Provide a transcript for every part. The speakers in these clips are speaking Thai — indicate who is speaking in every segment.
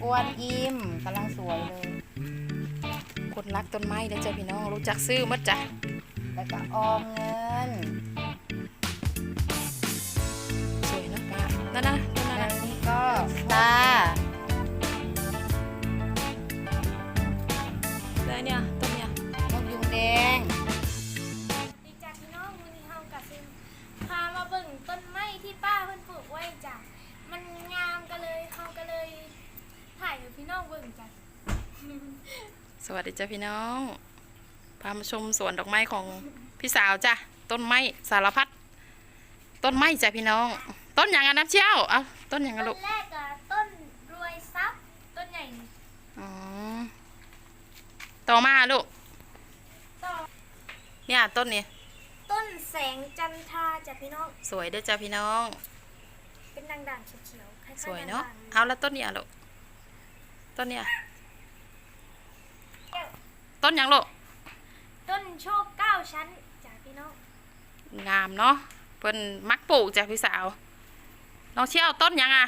Speaker 1: วนอิมกำลังสวยเลย
Speaker 2: คนรักต้นไม้เด้อจ้ะพี่น้องรู้จักซื้อมั้จ้ะ
Speaker 1: แล้วก็ออมเงิน
Speaker 2: สวยเนาะป้านั่นนะต้นนั้น
Speaker 1: แล้ว
Speaker 2: นะ
Speaker 1: นี่ก็ตา
Speaker 2: แล้วเนี่ยต้นเนี่ย
Speaker 1: นกยุงแดง
Speaker 3: ดีจ้ะพี่น้องวันนี้เฮากับซิมพามาเบิ่งต้นไม้ที่ป้าเพิ่นปลูกไว้จ้ะมันงามก็เลยเฮาก็เลยถ่ายให้พี่น้องเบิ่งจ้ะ
Speaker 2: สวัสดีจ้ะพี่น้องพามาชมสวนดอกไม้ของพี่สาวจ้ะต้นไม้สารพัดต้นไม้จ้ะพี่น้อง ต้นอย่างนั้นนะเชี่ยวเอาต้นอย่างนั้น
Speaker 3: ต้
Speaker 2: ลู
Speaker 3: น
Speaker 2: ก
Speaker 3: แรกอะต้นรวยทรัพย์ต้นใหญ่นี่
Speaker 2: อ๋อต่อมาลูก
Speaker 3: ต่อ
Speaker 2: เนี่ยต้นนี้
Speaker 3: ต้นแสงจันทราจ้ะพี่น้อง
Speaker 2: สวยเด้อจ้ะพี่น้อง
Speaker 3: เป็นด่างๆเขียวๆคล้ายๆ
Speaker 2: สวยเนาะ
Speaker 3: ด่งๆ
Speaker 2: เอาแล้วต้นเนี่ยลูกต้นเนี่ย
Speaker 3: แก้ว
Speaker 2: ต้นอย่างลูก
Speaker 3: ต้นโชค9ชั้นจ้ะพี่น้อง
Speaker 2: งามเนาะเพิ่นมักปลูกจ้ะพี่สาวน้องเชี่ยวต้นหยังอ่ะ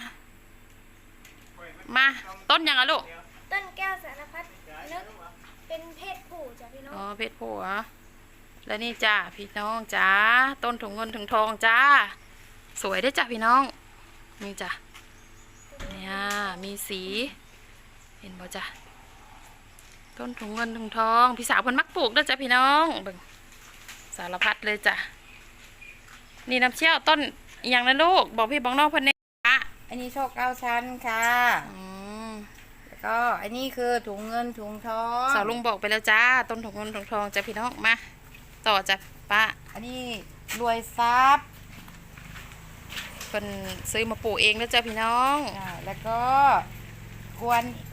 Speaker 2: มาต้นหยังอ่ะลูก
Speaker 3: ต้นแก้วสารพัดนึกเป็นเพศผู้จ้ะพี่น้อง
Speaker 2: อ๋อเพชรผัวแล้วนี่จ้าพี่น้องจ้าต้นถุงเงินถุงทองจ้าสวยได้อจ้ะพี่น้องนี่จ้ะเนี่ยมีสีเห็นบ่จ้ะต้นถุงเงินถุงทองพี่สาวเพิ่นมักปลูกเด้อจ้ะพี่น้องเบิ่งสารพัดเลยจ้ะนี่น้ำเชี่ยวต้นอหย่างนะลูกบอกพี่บอกน้องเพิ่นเนี่ยอ่ะ
Speaker 1: อันนี้โชค9 ชั้นค่ะ
Speaker 2: อืม
Speaker 1: แล้วก็อันนี้คือถุงเงินถุงทอง
Speaker 2: สาวลุงบอกไปแล้วจ้าต้นถุงเงินถุงทองจ้ะพี่น้องมาต่อจ้ะป้า
Speaker 1: อันนี้รวยทรัพย์
Speaker 2: เพิ่นซื้อมาปลูกเองแล้วจ้ะพี่น้อง
Speaker 1: แล้วก็กวนอู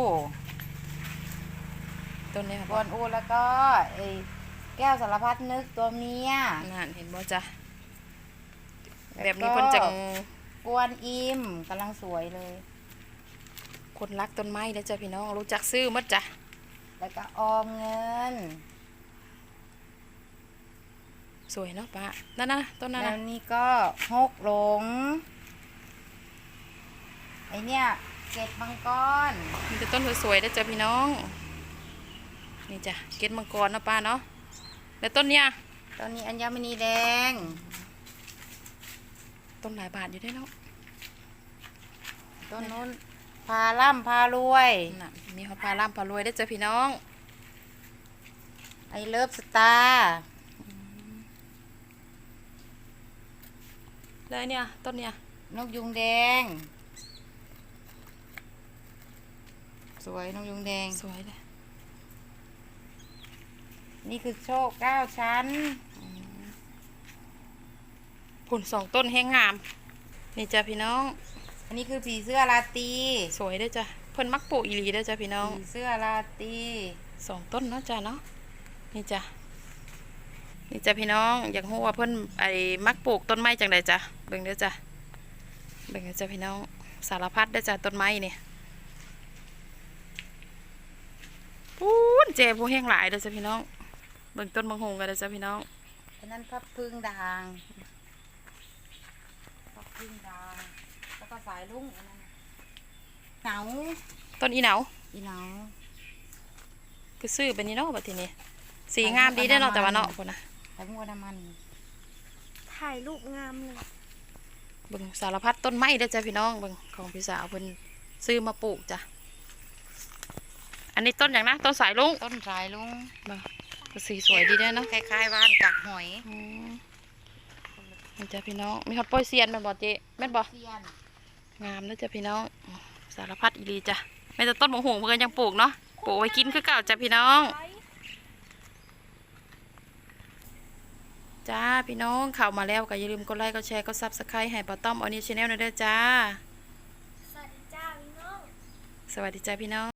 Speaker 2: ต้นนี้
Speaker 1: ก
Speaker 2: บ่
Speaker 1: วนอูแล้วก็ไอ้แก้วสารพัดนึกตัวเมีย
Speaker 2: นั่นเห็นบ่จ้ะ
Speaker 1: แล้วก็
Speaker 2: แบบนี้เพิ่นจัง
Speaker 1: กวนอิมกำลังสวยเลย
Speaker 2: คนรักต้นไม้แล้วจ้ะพี่น้องรู้จักซื้อมั้จ้ะ
Speaker 1: แล้วก็ออมเงิน
Speaker 2: สวยเนาะป้านั่นนะต้นนั้น
Speaker 1: แล้ว
Speaker 2: นะ
Speaker 1: นี่ก็ฮกหลงไอเนี่ยเกล็ดมังกร
Speaker 2: มีแต่ต้นสวยๆแล้วจ้ะพี่น้องนี่จ้ะเกล็ดมังกรเนาะป้าเนาะแล้วต้นเนี้ย
Speaker 1: ตอนนี้อัญมณีแดง
Speaker 2: ต้นหลายบาทอยู่ได้เนาะ
Speaker 1: ต้นนู้นพาล่ำพารวย
Speaker 2: น่ะมีฮอดปลาล่ำปลารวยได้อจ้ะพี่น้อง
Speaker 1: ไอเลิฟสตาร์
Speaker 2: แล้วเนี่ยต้นเนี่ย
Speaker 1: นกยุงแดง สวยนกยุงแดง
Speaker 2: สวยเลย
Speaker 1: นี่คือโชค9 ชั้น
Speaker 2: ผล2ต้นแห้งงามนี่จ้ะพี่น้อง
Speaker 1: อันนี้คือผีเสื้อราตรี
Speaker 2: สวยเด้อจ้ะเพิ่นมักปลูกอีหลีเด้อจ้ะพี่น้อง
Speaker 1: ผีเสื้อราตรี
Speaker 2: 2ต้นเนาะจ้ะเนาะนี่จ้ะนี่จ้ะพี่น้องอยากรู้ว่าเพิ่นไอ้มักปลูกต้นไม้จังใดจ้ะเบิ่งเด้อจ้ะเบิ่งเด้อจ้ะพี่น้องสารพัดเด้อจ้ะต้นไม้นี่ปูนเจผู้แห้งหลายเด้อจ้ะพี่น้องเบิ่งต้นมังหงกันเด้อจ้ะพี่น้อง
Speaker 1: อันนั้นพับพึ่งด่างพับพึ่งด่างแล้วก็สายลุงอันนั้นเหนา
Speaker 2: ต้นอีเหนา
Speaker 1: อีเหนา
Speaker 2: คือซื้อเป็นนี่เนาะบัดทีนี้สีงามดีเด้อเนาะแต่ว่าเนาะพุ่นน่ะ
Speaker 1: ไข่มัวน้ำมัน
Speaker 3: ถ่ายรูปงามเลย
Speaker 2: เบิ่งสารพัดต้นไม้เด้อจ้ะพี่น้องเบิ่งของพี่สาวเพิ่นซื้อมาปลูกจ้ะอันนี้ต้นอย่างนะต้นสายลุง
Speaker 1: ต้นสายลุง
Speaker 2: เบิ่งก็สีสวยดีเด้อเนาะ
Speaker 1: คล้ายๆว่านกักหอย
Speaker 2: อืมนี่จ้ะพี่น้องมีฮอตโปอยเซียนแม่นบ่เจ๊แม่นบ่
Speaker 1: เซียน
Speaker 2: งามเด้อจ้ะพี่น้องสารพัดอีหลีจ้ะแม้แต่ต้นมะฮุงเพิ่นก็ยังปลูกเนาะปลูกไว้กินคือเก่าจ้ะพี่น้องจ้าพี่น้องเข้ามาแล้วก็อย่าลืมกดไลค์กดแชร์กด Subscribe ให้ป้าต้อมออนิชแนลหน่อยเด้อจ้า
Speaker 3: สวัสดีจ้าพี่น้อง
Speaker 2: สวัสดีจ้าพี่น้อง